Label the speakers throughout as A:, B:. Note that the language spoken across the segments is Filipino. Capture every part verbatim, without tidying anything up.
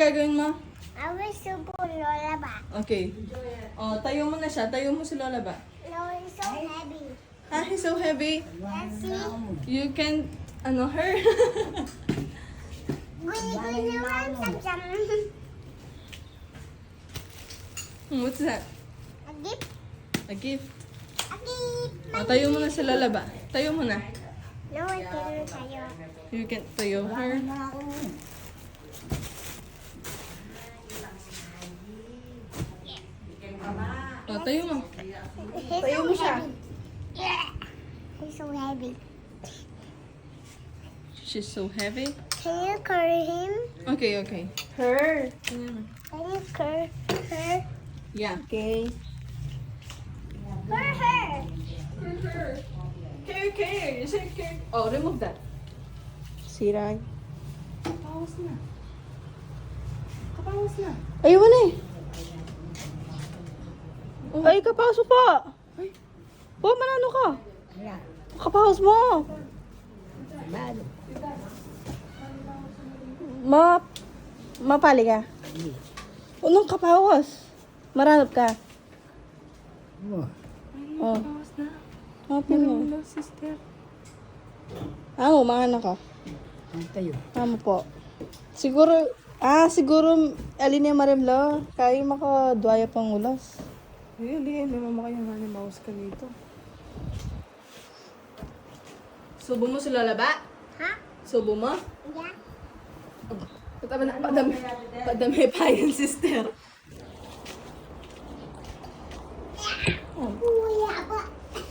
A: gagawin mo?
B: I will subo Lola ba?
A: Okay. Oh, tayo mo na siya. Tayo mo si Lola ba?
B: Lola is so heavy.
A: Ah, he's so heavy.
B: Let's see.
A: You can, ano, her?
B: Guni guni naman sa jam.
A: What's that?
B: A gift.
A: A gift.
B: A gift.
A: Oh, tayo mo na si Lola ba? Tayo mo na.
B: Lola can tayo.
A: You can tayo her. Oh, tayo mo.
B: He's
A: Tayo
B: so
A: mo siya.
B: heavy. Yeah. He's so heavy.
A: She's so heavy.
B: Can you carry him?
A: Okay, okay. Her.
B: Can you carry her?
A: Yeah.
B: Okay. For her.
A: Care, care. You say care. Oh, remove that.
B: Sira.
A: Kapawas na. Kapawas na.
B: Ayaw mo na eh.
A: Oh.
B: Ay, kapaso pa.
A: Ay.
B: Oh, manano ka? Kapaos mo. Ma... Mapali ka? Unong kapaos. Maranap ka. Oh.
A: Kapawas na.
B: Happy mo.
A: Hello, sister.
B: Amo, mga ka.
C: Tayo.
B: Amo po. Siguro... Ah, siguro... Alin yung marimlo. Kaya makadwaya pang ulas.
A: Ay, ali. Naman mo kayong honey mouse ka dito. Subo mo si Lola ba?
B: Ha?
A: Subo mo?
B: Yeah.
A: Patama na, padami, padami pa yun, sister.
B: Uya ba?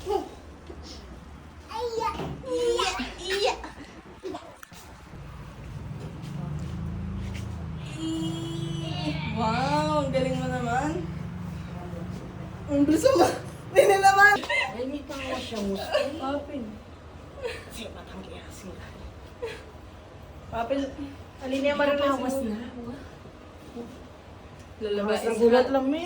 B: Iya. Iya. Iya.
A: Wow, ang galing mo naman. Ang gusto mo. Hindi naman.
C: Ay, may tawa siya mo.
A: Papin.
C: Kasi matanggiya sila.
A: Papin. Alin niya marunong
C: Tawas
A: sa
C: na.
A: Lalaba
C: Tawas na
A: is
C: gulat
A: hot.
C: lang, me.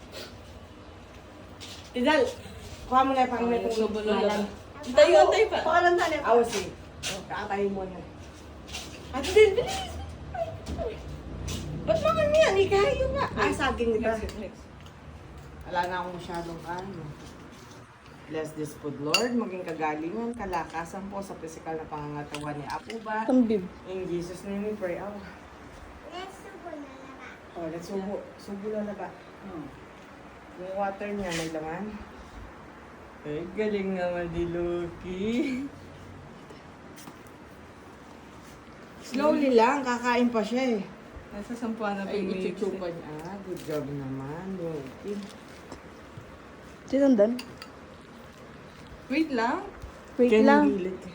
C: Tidal, kuha mo na yung pangmay kong
A: Subo
C: lubulan.
A: Lola. Tayo, tayo pa.
C: Pakalan tayo. Awas eh. Oh, kakatayo mo na. At din, bilis. Ba't naman yan? Ikayo nga. Ah, saging nito.
A: Next, next.
C: Wala na akong masyadong ano. Bless this food, Lord. Maging kagalingan, kalakasan po sa physical na pangangatawan ni Apo ba?
B: Tambib.
C: In Jesus' name we pray. Oh,
B: Let's subo na ba?
C: oh let's subo. Subo na na ba? Hmm. Yung water niya may laman. Ay, galing naman ni Loki. Slowly lang, kakain pa siya eh.
A: Nasa sampuan na
C: Ay,
A: pag-mix.
C: ichuchupan niya. Ah, good job naman, Loki.
B: Sinundan?
A: Wait lang.
B: Wait
C: Kaya
B: lang.
C: nagilid ka.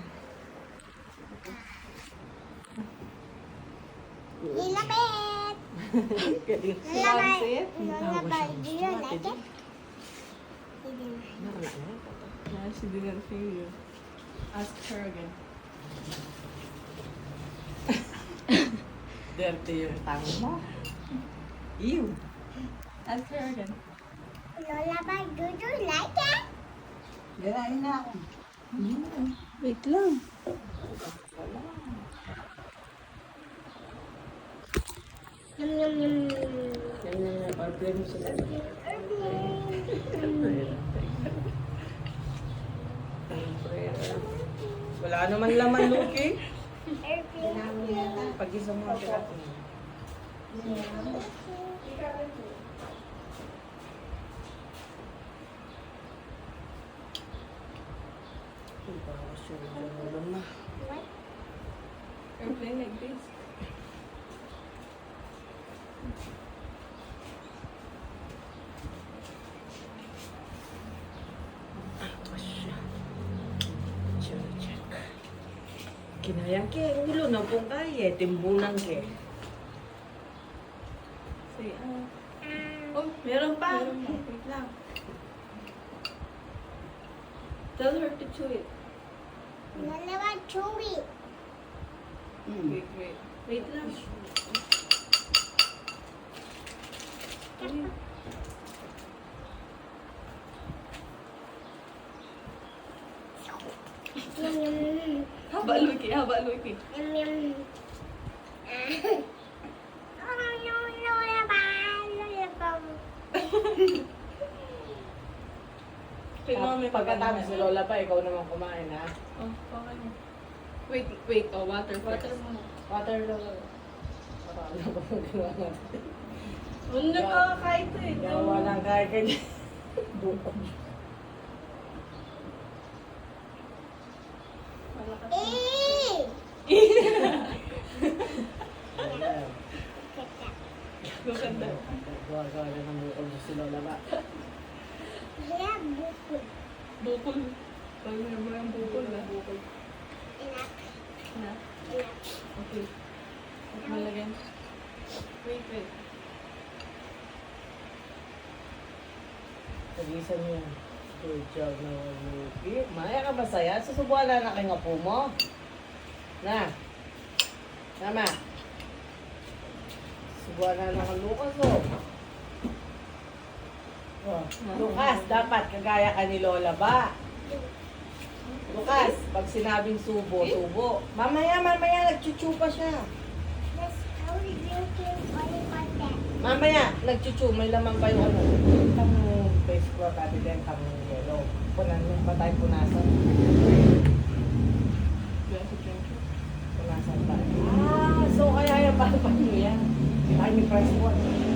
B: Nilapit!
C: Galing.
A: Nilapit?
B: Nilapit. Do you like it?
C: Nakala na.
A: Yeah, she didn't feel you. Ask her again.
C: Dirty yung tang mo. Ew.
A: Ask her again.
B: Lola, ba, do you like it?
C: Ganahin na ako.
B: Wait lang. Yum, yum, yum.
C: Yan na yung order mo sila. Wala naman laman, Loki. Pag-isa mo ang tiratin.
A: Airplane like this.
C: Kinayang ke, ulo na pong kaya, timbunan ke.
A: Say, ah. Oh, meron pa.
C: Meron pa.
A: Wait lang. Tell her to chew it.
B: Lola, ba, chew it.
A: Wait, wait. Wait lang.
B: Yum, yum, yum.
A: Haba, Luiki. Haba, Luiki.
B: Yum, yum. Ah.
A: Kay mami,
C: Pagkatapos si Lola pa, ikaw naman kumain, ha?
A: Oh, okay. Wait, wait. Oh, water first.
B: Water muna.
C: Water Lola. Para alam ko kung ginawa natin.
A: Ano nakakakait eh.
C: Gawa lang kaya kanya. Bukod.
A: Ganda.
C: Gawa gawa lang ng bukod si Lola ba?
A: Bukol. Pag may mo yung bukol ah. Bukol. Na? Okay. Huwag malagyan. Wait, wait.
C: Nagisan mo yun. Good job na Luki. Maya ka masaya? Susubuan na na kayo nga po mo. Na. Tama. Subuan na na kang Lucas oh. Oh. Lucas, dapat kagaya ka ni Lola ba? Lucas, pag sinabing subo, subo. Mamaya, mamaya, nagchuchu pa siya. Mamaya, nagchuchu, may laman pa yung ano. Tang face ko, pati din, tang yellow. Punan mo, patay punasan.